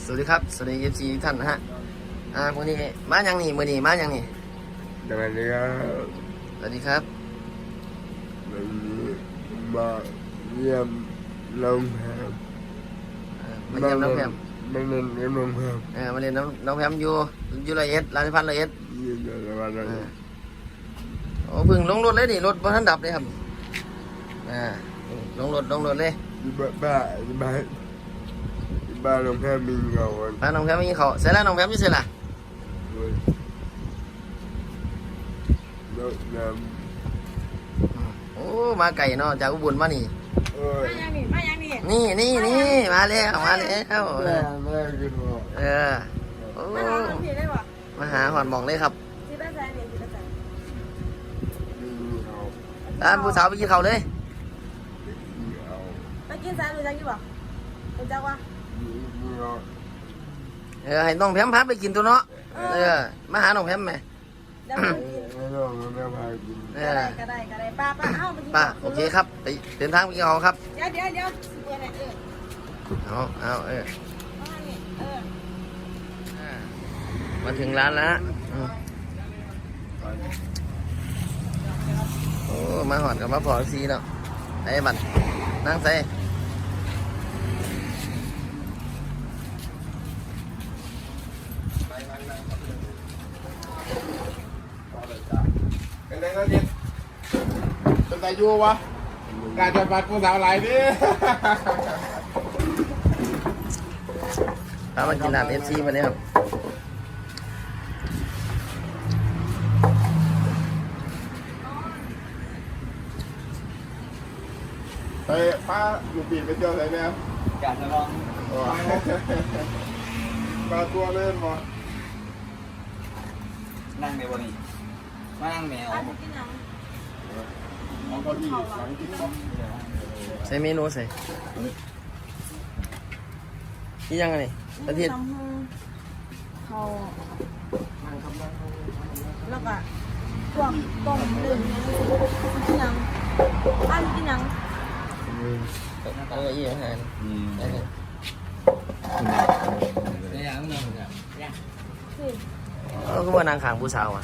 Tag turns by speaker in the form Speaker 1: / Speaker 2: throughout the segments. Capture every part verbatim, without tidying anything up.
Speaker 1: วัสดีครับสวัสดีเอฟซีท่านนะฮะอ่าวันนี้มาอย่างนี้มือนี้มาอย่างนี้
Speaker 2: สวัสดีครับ
Speaker 1: สวัสดีครับ
Speaker 2: วันนี้มาเยี่ยมน้องแพม
Speaker 1: อ่ามาเยี่ยมน้องแพม
Speaker 2: มาเล่นกับน้องแพม
Speaker 1: เออมาเรียนน้องน้องแพมอยู่อยู่ร้อยเอ็ดร้านพันร้อยเอ็ด
Speaker 2: ยี่สิบวันแล้ว
Speaker 1: อ่าโอ้เพึ่งลงรถเลยนี่รถบนทันดับเลยครับอ่าลงรถลงรถเลย
Speaker 2: ที่บ้านบ้านที่บ้านที่บ้านน้องแพมมีเงาวัน
Speaker 1: มาน้องแพมมีเขาเสร็จแล้วน้องแพมอยู่เสร็จละ
Speaker 2: ด้วยรถน้
Speaker 1: โอ้มาไก่เนาะจากอุบลมานี่
Speaker 2: ำเอ้ย
Speaker 3: มาอย่างนี้มาอย่างนี้
Speaker 1: นี่นี่นี่มาแล้วมาแล้ว
Speaker 2: แม่แม่กินหัว
Speaker 1: เออโอ้
Speaker 3: มาหาคนผิดได้ป่ะ
Speaker 1: มาหาหอนหมองเลยครับ
Speaker 3: ที่ได้ใจเนี่ยที่ได้ใจ
Speaker 2: มีเงา
Speaker 1: ร้านผู้สาวไปกินเขาวเลย
Speaker 2: มีเงา
Speaker 3: ไปกินสายรู้จักอยู่ป่ะรู้จักวะ
Speaker 2: มีเงา
Speaker 1: เออให้น้องแพมพาไปกินตัวเนาะเออมาหาน้องแพมไหม
Speaker 3: เดี๋ยวไปกิน
Speaker 2: ให้น้องแม่พากิน
Speaker 1: เอ
Speaker 3: ก็
Speaker 1: อ
Speaker 3: ได้ก็ได้ก็ได้ป้าป้าเอ้าไปกิน
Speaker 1: ป้าโอเคครับไปเดินทางไปกินเขาวครับ
Speaker 3: เดี๋ยวเดี๋ยวเดี๋ยวเปิดหน่อยเออ
Speaker 1: เอาเอาเออ
Speaker 3: มานี่เออ
Speaker 1: มาถึงร้านแล้วอืมโอ้มาหอดกับมาพอซีเนาะไอ้บัตรนั่งใส่
Speaker 4: เป็นไงก็เจ็ดเป็นตายูวะการจะบัดผู้สาวหลายดิ
Speaker 1: พามากินร้านเอฟซีมาเนี่ยครับ
Speaker 4: ไปป้าอยู่ปีนไปเที่ยวไหนเนี่ย
Speaker 5: อยากจะลอง
Speaker 4: ปลาตัวเล่นมา
Speaker 5: นั่งในวันนี้มานั่งแมว
Speaker 3: ป้าไปกินยัง
Speaker 4: เอาเก้าอี้หลังกินก็
Speaker 1: ใส่เมนูใส่นี่ยังไงนี่ประเทศ
Speaker 3: น้ำหูเขาแล้วก็พวกต้มดื่มกินยังป้ากินยัง
Speaker 1: เอาเก้าอี้อาหารได้เลย
Speaker 5: ในอย่างนั้นเหมือนกัน
Speaker 3: สิ
Speaker 1: เอาก็มานางขางผู้สาวอ่ะ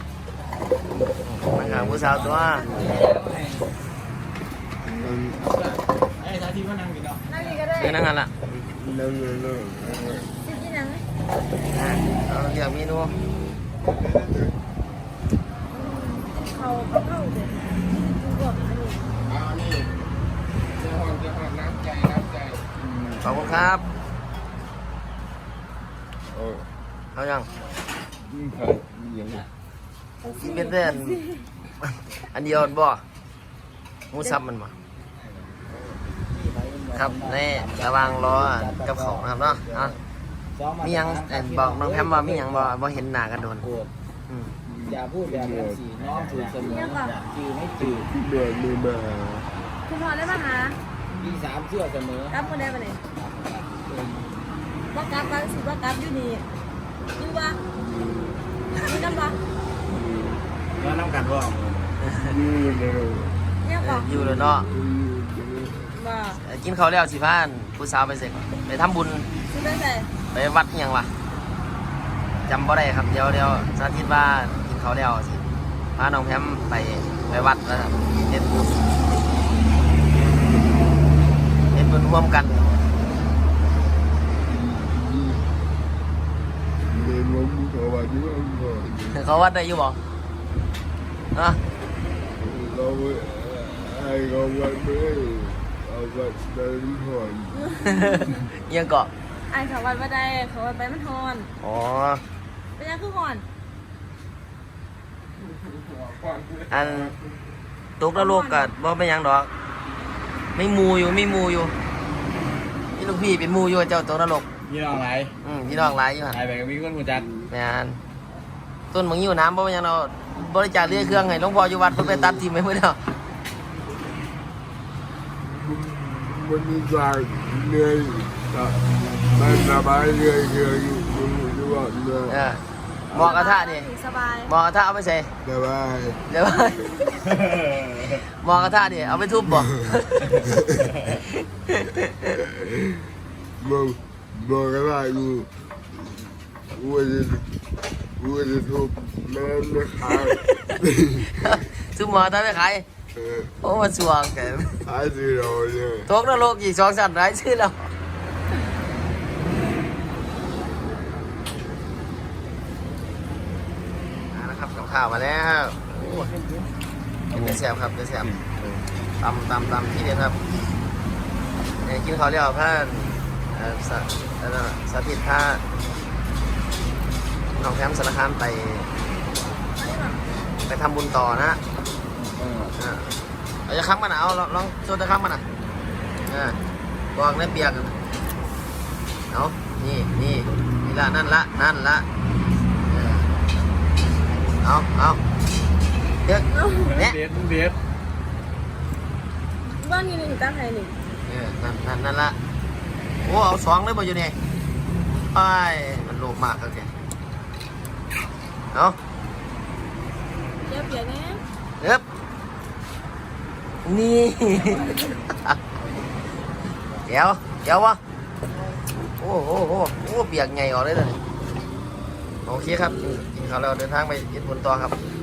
Speaker 1: นางขางผู้สาวตัว
Speaker 5: ไอ้ชาที่มานั่งกินเนาะ
Speaker 3: นั่งนี่ก็ได้
Speaker 1: เดี๋ยวนั่งกันละ
Speaker 2: นั่งนั่งนั่ง
Speaker 3: สิกินยัง
Speaker 1: อ่าเอาเดี๋ยวเมนู
Speaker 3: เขาเขาเข้าเด็ดพวกอันนี้
Speaker 4: เอานี่เจ้าหอนเจ้าหอนน้ำใจน้ำใจ
Speaker 1: ขอบคุณครับ
Speaker 2: โอ้ย
Speaker 1: เอายัง
Speaker 2: ยิ่งใครยิ่ง
Speaker 1: ที่เป็นเด่นอันเดียวบ่หมูซับมันมาครับนี่ระวังล้อกับของนะครับเนาะเอามียังเอ่อบอกน้องแพมว่ามียังบ่บ่เห็นหน้ากันโดน
Speaker 5: พูด
Speaker 1: อืม
Speaker 5: อย่าพูดแบบนั้นสิน้องถูกเสมอจืดไม่จืด
Speaker 2: ที่เดินมีมา
Speaker 3: คุณพอได้มาหา
Speaker 5: พี่สามเชื่อเสมอก
Speaker 3: ลับมาได้ปะเนี่ยว่ากลับกันสิว่ากลับอยู่นี่อยู่ปะอยู่น้ำปะ
Speaker 5: แล้วน้ำกันว่า
Speaker 2: นี่เลย
Speaker 3: เนี่ย
Speaker 1: เอ
Speaker 3: ปะ
Speaker 1: ออยู่เลยเนาะ
Speaker 3: บ่
Speaker 1: เอ่อกินข้าวแล้วสิพานผู้สาวไปเสร็จไปทำบุญ
Speaker 3: คุณได้ใส่
Speaker 1: ไปวัดอิหยังวะจำบ่ได้ครับเดี๋ยวเดี๋ยวสาธิตว่ากินข้าวแล้วสิพาน้องแพมไปไปวัดนะครับเฮ็ดบุญเฮ็ดบุญร่วมกัน
Speaker 2: เดินล้มเขาว่าที่ว่าก่อน
Speaker 1: เขาวัดได้อยู่บ่ฮะ
Speaker 2: เราไอ้เขาวัดไม่เอาวัดเดินก่อน
Speaker 1: เอียังเกาะ
Speaker 3: ไอ้เขาวัดว่าได้เขาวัดไปมันฮอน
Speaker 1: อ๋อ
Speaker 3: เป็นยังคือฮอน
Speaker 1: อันตกนรกก็บ่เป็นหยังดอกไม่มูอยู่ไม่มูอยู่นี่ลูกพี่เป็นมูอยู่เจ้าตกนรก
Speaker 5: ยี่น้องไร
Speaker 1: อืมพี่น้องหลายอยู่หั่น
Speaker 5: ไอ้แบบมีคนหูจัด
Speaker 1: แม่นต้นมังยิ้วน้ำบ่เป็นหยังเราบริจาคเรือเครื่องให้หลวงพ่ออยู่วัดเพิ่นไปตัดทิ่มไปหมดแล้ว
Speaker 2: วันนี้จากเหนื่อยมันสบายเหนื่อยเหนื่อยอยู่ทุกวันเลย
Speaker 1: เออหมอกระทะนี่
Speaker 3: สบาย
Speaker 1: หมอกระทะเอาไปใส่
Speaker 2: สบาย
Speaker 1: เดี๋ยวหมอกระทะนี่เอาไปทุบบ่
Speaker 2: มึงบอกกันว่ากูกูจะกูจะทุบแม่ไม่ขาย
Speaker 1: ซื้อหมอตาไปขาย
Speaker 2: เออ
Speaker 1: โอ้มาสวงแก
Speaker 2: ขายสิเราเนี่ย
Speaker 1: ตกนรกอีกสองสัตว์หลายชื่อแล้วเอาละครับกับข้าวมาแล้วโอ้เป็นเนื้อแซ่บครับเนื้อแซ่บตำตำตำที่เด็ดครับเนี่ยกินข้าวเรียวพระเอ่อสะเอ่อสาธิตพระน้องแพมสารคามไป ไปทำบุญต่อนะ
Speaker 5: เออ
Speaker 1: อ่าเอาจะค้ำมันนะเอาลองลองโซนจะค้ำมันนะอ่าบอกเนื้อเปียกกันเอานี่นี่นี่ละนั่นละนั่นละเออเอาเอาเด็กเนี่ย
Speaker 5: เด็ดเด็ด
Speaker 3: บ้านนี้หนึ่งตั้งใครหนึ่ง
Speaker 1: เออนั่นนั่นนั่นละโอ้เอาสองเลยบ่อยู่นี่ไปมันโลภมากครับแกเอา
Speaker 3: เดี๋ยวเปลี่ยนแน่
Speaker 1: เอ๊บนี่ เดี๋ยวเดี๋ยววะโอ้โหโอ้โหโอ้เปียกไงออกเลยเลยโอเคครับกินข้าวแล้วเดินทางไปญี่ปุ่นต่อครับ